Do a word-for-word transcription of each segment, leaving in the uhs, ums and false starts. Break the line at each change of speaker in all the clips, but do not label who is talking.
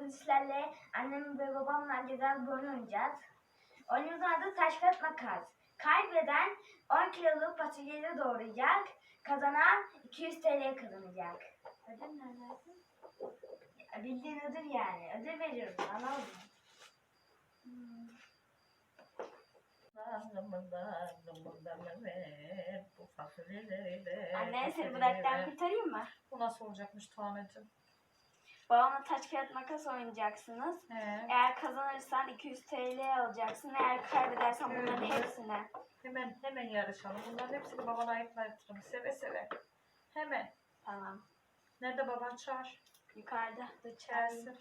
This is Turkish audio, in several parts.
sizlerle annem ve babamla güzel bir oyun oynayacağız. Oyunumuzun adı taş kağıt makas. Kaybeden on kiloluk fasulyeli doğrayacak. Kazanan iki yüz T L kazanacak. Ödül ne dersin? Bildiğin ödül yani. Ödül veriyorum. Anladın mı? Hmm. Anne seni bu dertten kurtarayım mı?
Bu nasıl olacakmış Tuğan'cığım?
Babamla taş kağıt makas oynayacaksınız.
He.
Eğer kazanırsan iki yüz T L alacaksın. Eğer kaybedersen bunların
Evet.
hepsini.
Hemen hemen yarışalım. Bunların hepsini babana ayıklatırım. Seve seve. Hemen.
Tamam.
Nerede baban çağır?
Yukarıda.
İçerisi.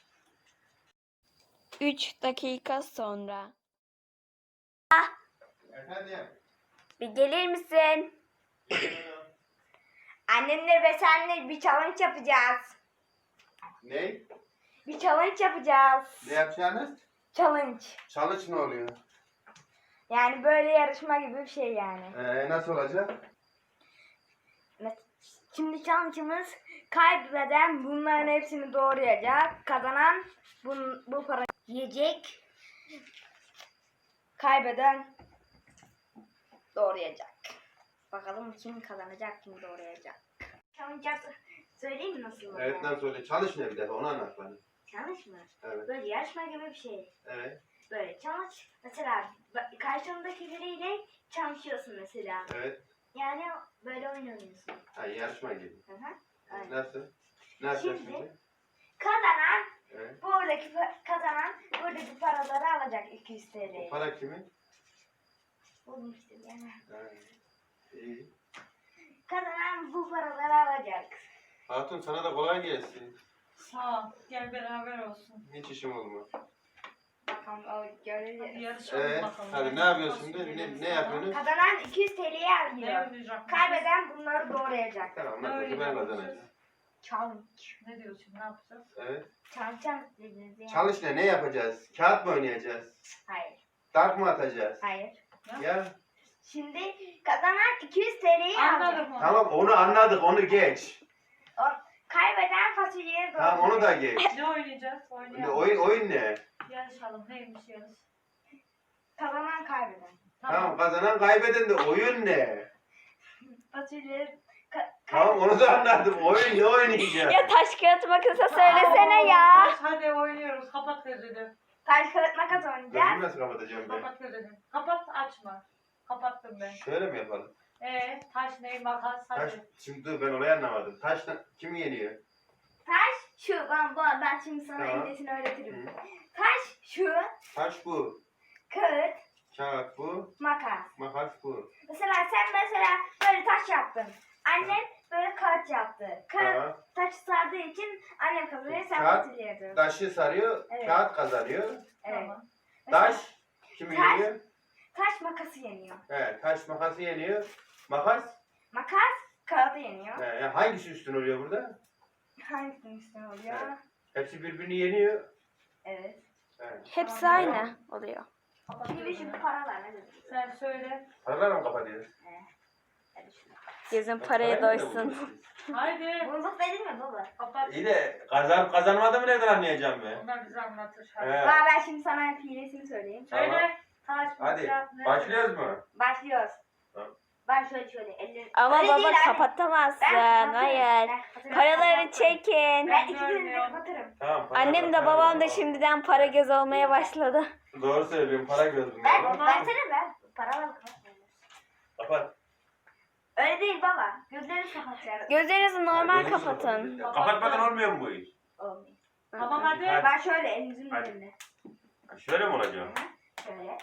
üç dakika sonra.
Efendim.
Bir gelir misin? Annemle ve senle bir challenge yapacağız.
Ne?
Bir challenge yapacağız.
Ne yapacaksınız?
Challenge.
Çalış ne oluyor?
Yani böyle yarışma gibi bir şey yani.
Ee, nasıl olacak?
Şimdi challenge'ımız kaybeden bunların hepsini doğrayacak. Kazanan bu, bu para yiyecek. Kaybeden doğrayacak. Bakalım kim kazanacak, kim doğrayacak. Challenge söyleyeyim mi nasıl olur?
Evet nasıl oluyor? Çalış ne bir defa onu anlat bana.
Challenge mı?
Evet.
Böyle yarışma gibi bir şey.
Evet.
Böyle challenge. Mesela ba- karşındaki biriyle çalışıyorsun mesela.
Evet.
Yani böyle oyun oynuyorsun.
Ha, yarışma gibi.
Hı hı. Aynen.
Nasıl? Ne yapacağız
Şimdi-
şimdi?
Kazanan
Evet.
buradaki pa- kazanan buradaki paraları alacak iki yüz T
Bu
L'yi.
para kimin?
Buldum işte yani.
Ha. İyi.
Kazanan bu paraları alacak.
Hatun sana da kolay gelsin.
Sağ ol. Gel beraber olsun.
Hiç işim olmaz.
Bakalım o
Hadi
göreceğiz.
yarışalım
Evet.
bakalım.
Hadi ne yapıyorsun şimdi? Ne, ne yapıyorsunuz?
Kazanan iki yüz T L'yi
Ne
alıyor.
oynayacak?
Kaybeden bunları doğrayacak.
Tamam
Ne
nasıl ben
oynayacakmışız?
kazanacağım.
Challenge.
Ne diyorsun? Ne yapacağız?
Evet.
Challenge dediniz yani.
Çalış ne? Ne yapacağız? Kağıt mı oynayacağız?
Hayır.
Dart mı atacağız?
Hayır.
Ya.
Şimdi kazanan iki yüz T L'yi alacak.
Anladım onu.
Tamam onu anladık onu geç.
O, kaybeden fasulyeyi doğrayacak.
Tamam onu da geç.
Ne oynayacağız?
Ne,
Oynayalım.
oyun oyun ne?
Yarışalım. Neymiş yarış?
Kazanan kaybeden.
Tamam kazanan kaybeden de oyun ne?
Fasulye ka-
Tamam onu da anladım. Oyun ne oynayacağız?
Ya taş kağıt makasa
söylesene ya. Hadi oynuyoruz. Kapat gözünü.
Taş kağıt makas oynayacağız.
Gözümü nasıl kapatacağım ben?
Kapat gözünü. Kapat açma. Kapattım ben.
Şöyle mi yapalım?
Ee, taş ne makas
Taş,
hadi.
şimdi dur ben olayı anlamadım. Taş kim yeniyor?
Taş şu. Ben, ben, ben şimdi sana
Tamam.
İngilizcesini öğretirim.
Hı.
Taş şu.
Taş bu.
Kağıt
Kağıt bu.
makas.
Makas bu.
Mesela sen mesela böyle taş yaptın. Annem böyle kağıt yaptı. Kağıt
Tamam.
taş sardığı için annem kazanıyor, sen
Kağıt,
fasulye yapıyorsun.
Taşı sarıyor,
Evet.
kağıt kazanıyor.
Evet.
Tamam.
Mesela
Taş kimi
Taş.
yeniyor?
taş makası yeniyor.
He, taş makası yeniyor. Makas?
Makas kağıdı yeniyor.
He, yani hangisi üstün oluyor burada?
Hangisinin üstüne oluyor?
Evet. Hepsi birbirini yeniyor.
Evet.
He.
Hepsi
Tamam.
aynı oluyor.
Kapat
Şimdi
gözünü.
şu paralar ne demek?
Sen söyle.
Paralarla mı kapatıyoruz?
Hadi şunu.
Gözün
Parayı
paraya
nerede
doysun.
buldunuz?
Haydi.
Bulduk dedin mi baba?
Kapat.
İyi de kazanıp kazanmadığımı nereden anlayacağım ben?
Onlar bize anlatır. Hadi.
He.
Baba ben şimdi sana hilesini söyleyeyim.
Tamam.
Söyle. Taş
Hadi
makas ne?
başlıyoruz mu?
Başlıyoruz.
Tamam.
Ben şöyle şöyle ellerim.
Ama
Öyle
baba
değil anne.
kapatamazsın.
Ben kapatırım.
Hayır.
Ben kapatırım.
Paraları çekin.
Ben ikisini de
Görmüyorum.
kapatırım.
Tamam. para-
Annem de
para-
babam da şimdiden para göz olmaya başladı.
Doğru söylüyorum para gözüm.
Ben,
Baba.
versene ben. Paraları kapatmıyorum.
Kapat.
Öyle değil baba. Gözlerini kapatacağız.
Gözlerinizi normal
Gözünü
kapatın.
kapat. Kapatmadan olmuyor mu bu iş?
Olmuyor.
Tamam hadi.
Hadi.
Ben şöyle elinizin
Hadi.
üzerinde.
Ha, Şöyle mi olacak?
Şöyle.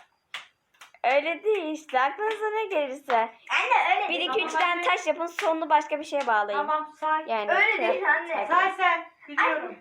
Öyle değil işte. Aklınıza ne gelirse.
Anne öyle
Bir
değil.
iki üçten taş yapın, sonunu başka bir şeye bağlayın.
Tamam say.
Yani
Öyle
şey-
değil anne.
Say sen. Biliyorum.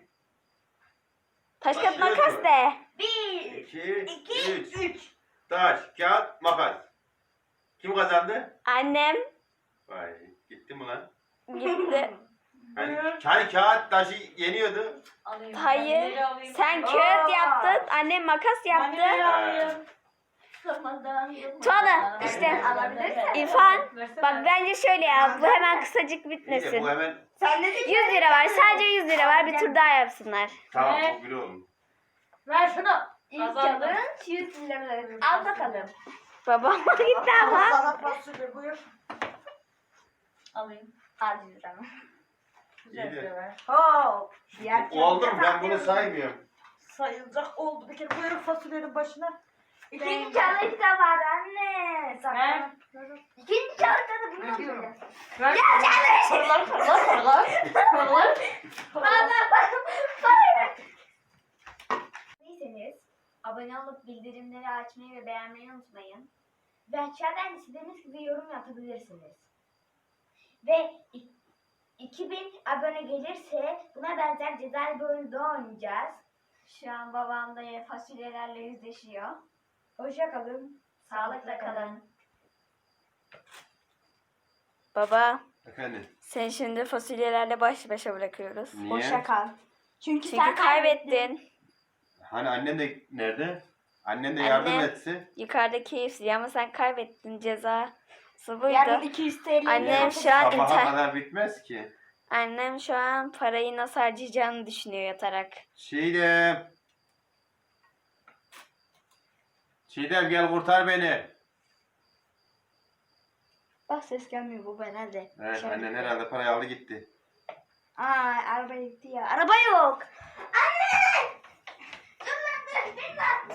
taş kağıt
Başlıyoruz
makas
mu?
de.
Bir,
İki,
iki,
üç.
üç.
Taş, kağıt, makas. Kim kazandı?
Annem
Vay gitti mi lan?
gitti.
Hani,
Buyur.
hani kağıt taşı yeniyordu.
Alayım.
Hayır.
Neleri alayım?
Sen
Aa.
kağıt yaptın, annem makas
Ben neleri
yaptı.
alayım?
Tuana işte
Alabilirsen.
İrfan
Versene.
bak bence şöyle ya bu hemen kısacık
İyi de
bitmesin.
bu hemen
Sen ne
yüz lira var sadece yüz lira var bir tur daha yapsınlar.
tamam
Evet.
çok güzel oldu.
Ver şunu.
İlk
Kazandım.
challenge yüz lira. Al bakalım.
Babama gitti ama.
Sana fasulye buyur. Alayım.
Al yüz liramı.
Güzel
İyi de.
bir ver.
Hop. Diğer
Oldu mu? Ben
challenge
bunu
yapıyorum.
saymıyorum.
Sayılacak oldu bir kere. Buyurun fasulyenin başına.
İkinci challenge da var anne.
Ver.
Sakın. İkinci challenge'da da bunu yapacağız.
Ver. Paralar paralar paralar. Paralar.
Baba baba. Değilseniz abone olup bildirimleri açmayı ve beğenmeyi unutmayın. Ve aşağıdan istediğiniz gibi yorum yapabilirsiniz. Ve i- iki bin abone gelirse buna benzer cezalı bir oyun daha oynayacağız. Şu an babam da fasulyelerle yüzleşiyor. Hoşça kalın. Sağlıkla kalın.
Baba
Efendim.
sen şimdi fasulyelerle baş başa bırakıyoruz.
Niye?
Hoşça kal. Çünkü,
Çünkü
sen kaybettin.
kaybettin.
Hani annen de nerede? Annen de
Anne.
yardım etse.
Yukarıda keyifli ama sen kaybettin cezası buydu.
Yarın iki yüz TL.
Annem şu an
Sabaha
inter...
kadar bitmez ki.
Annem şu an parayı nasıl harcayacağını düşünüyor yatarak.
Çiğdem. Çiğdem gel kurtar beni.
Bak ses gelmiyor bu ben hadi.
Evet
Şöyle.
annen herhalde parayı aldı gitti.
Aa araba gitti ya. Araba yok. Anne! Dur lan dur. Bin lan.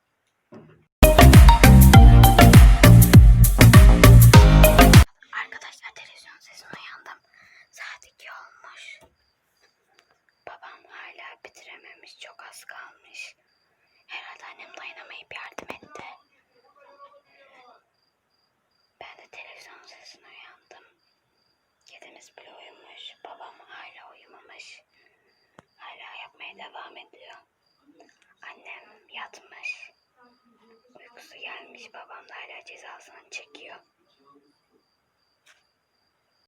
Arkadaşlar televizyon sesine uyandım. Saat iki olmuş. Babam hala bitirememiş. Çok az kalmış. Herhalde annem dayanamayıp yardım etti. Ben de televizyon sesine uyandım. Kedimiz bile uyumuş. Babam hala uyumamış. Hala yapmaya devam ediyor. Annem yatmış. Uykusu gelmiş. Babam da hala cezasını çekiyor.